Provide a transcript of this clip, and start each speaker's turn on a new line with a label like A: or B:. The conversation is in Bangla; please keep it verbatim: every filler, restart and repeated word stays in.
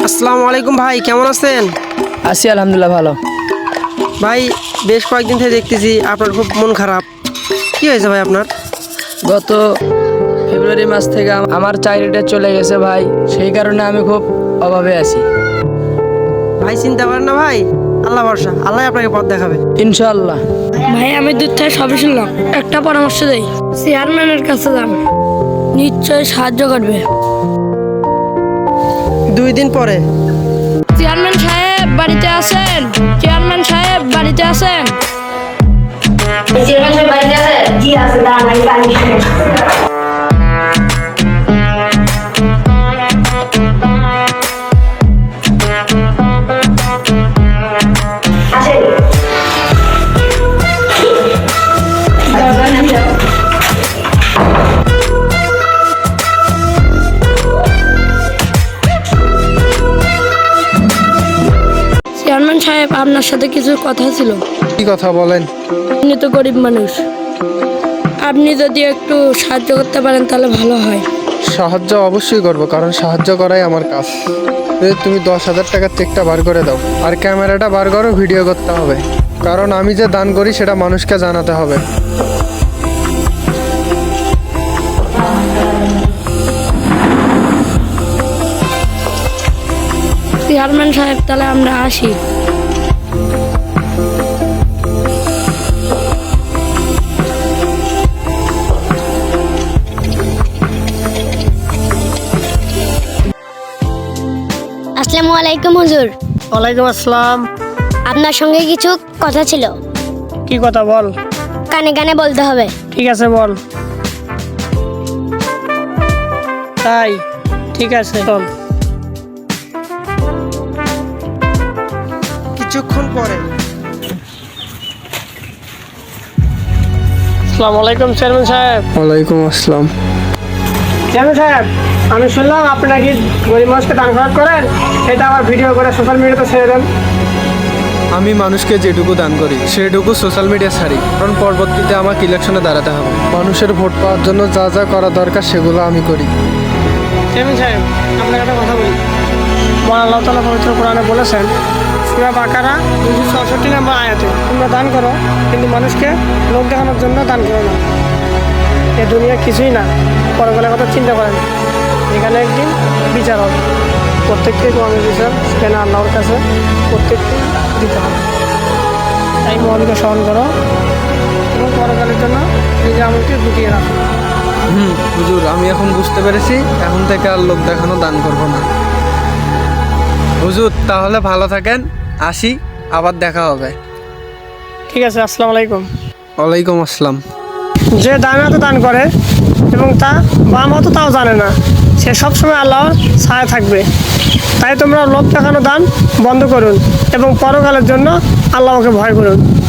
A: আসসালামু আলাইকুম ভাই, কেমন আছেন?
B: আছি আলহামদুলিল্লাহ ভালো।
A: ভাই বেশ কয়েকদিন থেকে দেখতেছি আপনার খুব মন খারাপ। কি হয়েছে ভাই আপনার?
B: গত ফেব্রুয়ারি মাস থেকে আম- আমার চাকরিটা চলে গেছে ভাই, সেই কারণে আমি খুব অভাবে আছি।
A: ভাই চিন্তা করেন না ভাই, আল্লাহ ভরসা, আল্লাহ আপনাকে পথ দেখাবে।
B: ইনশাআল্লাহ।
C: ভাই আমি দূর থেকে সবই শুনলাম, একটা পরামর্শ দেই, চেয়ারম্যানের কাছে যান, নিশ্চয়ই সাহায্য করবে।
A: দুই দিন পরে।
C: চেয়ারম্যান সাহেব বাড়িতে আছেন? চেয়ারম্যান সাহেব বাড়িতে আছেন?
D: চেয়ারম্যান সাহেব বাড়িতে আছে? জি আছে, দাঁড়ান আমি পানি শুনে আসেন।
C: চেয়ারম্যান সাহেব আপনার সাথে কিছু কথা ছিল।
E: কি কথা বলেন?
C: আপনি তো গরিব মানুষ, আপনি যদি একটু সাহায্য করতে পারেন তাহলে ভালো হয়।
E: সাহায্য অবশ্যই করব, কারণ সাহায্য করাই আমার কাজ। এই তুমি দশ হাজার টাকার চেকটা বার করে দাও, আর ক্যামেরাটা বার করো, ভিডিও করতে হবে, কারণ আমি যে দান করি সেটা মানুষকে জানাতে হবে।
C: চেয়ারম্যান সাহেব তাহলে আমরা আসি।
F: আসসালামু আলাইকুম হুজুর।
A: ওয়ালাইকুম আসসালাম।
F: আপনার সঙ্গে কিছু কথা ছিল।
A: কি কথা বল?
F: কানে কানে বলতে হবে।
A: ঠিক আছে বল। তাই ঠিক আছে চল। কিছুক্ষণ পরে। আসসালামু আলাইকুম চেয়ারম্যান সাহেব।
E: ওয়ালাইকুম আসসালাম।
A: চেয়ারম্যান সাহেব, আমি শুনলাম আপনি নাকি গরিব মানুষকে দান খরচ করেন, সেটা আবার ভিডিও করে সোশ্যাল মিডিয়াতে ছেড়ে দেন।
E: আমি মানুষকে যেটুকু দান করি সেটুকু সোশ্যাল মিডিয়া ছাড়ি, কারণ পরবর্তীতে আমাকে ইলেকশনে দাঁড়াতে হবে। মানুষের ভোট পাওয়ার জন্য যা যা করা দরকার সেগুলো আমি করি।
A: চেয়ারম্যান সাহেব, আপনাকে একটা কথা বলি। মহান আল্লাহ তাআলা পবিত্র কোরআনে বলেছেন, সূরা বাকারা দুইশো চৌষট্টি নম্বর আয়াতে, তোমরা দান করো কিন্তু মানুষকে লোক দেখানোর জন্য দান করো না। এ দুনিয়া কিছুই না, পরকালের কথা চিন্তা করেন। এখানে একদিন বিচার হবে, প্রত্যেককে কর্মের বিচার সেখানে আল্লাহর কাছে প্রত্যেককে দিতে হবে। তাই মনকে স্মরণ করো এবং পরকালের জন্য নিজের আমলকে গুটিয়ে রাখো।
E: হুম হুজুর, আমি এখন বুঝতে পেরেছি, এখন থেকে আর লোক দেখানো দান করব না। হুজুর তাহলে ভালো থাকেন, আসি, আবার দেখা হবে।
A: ঠিক আছে, আসসালামু আলাইকুম।
E: ওয়ালাইকুম আসসালাম।
A: যে দান হাতে দান করে এবং তা বাম হাতে তাও জানে না, সে সবসময় আল্লাহর ছায়া থাকবে। তাই তোমরা লোক দেখানো দান বন্ধ করুন এবং পরকালের জন্য আল্লাহকে ভয় করুন।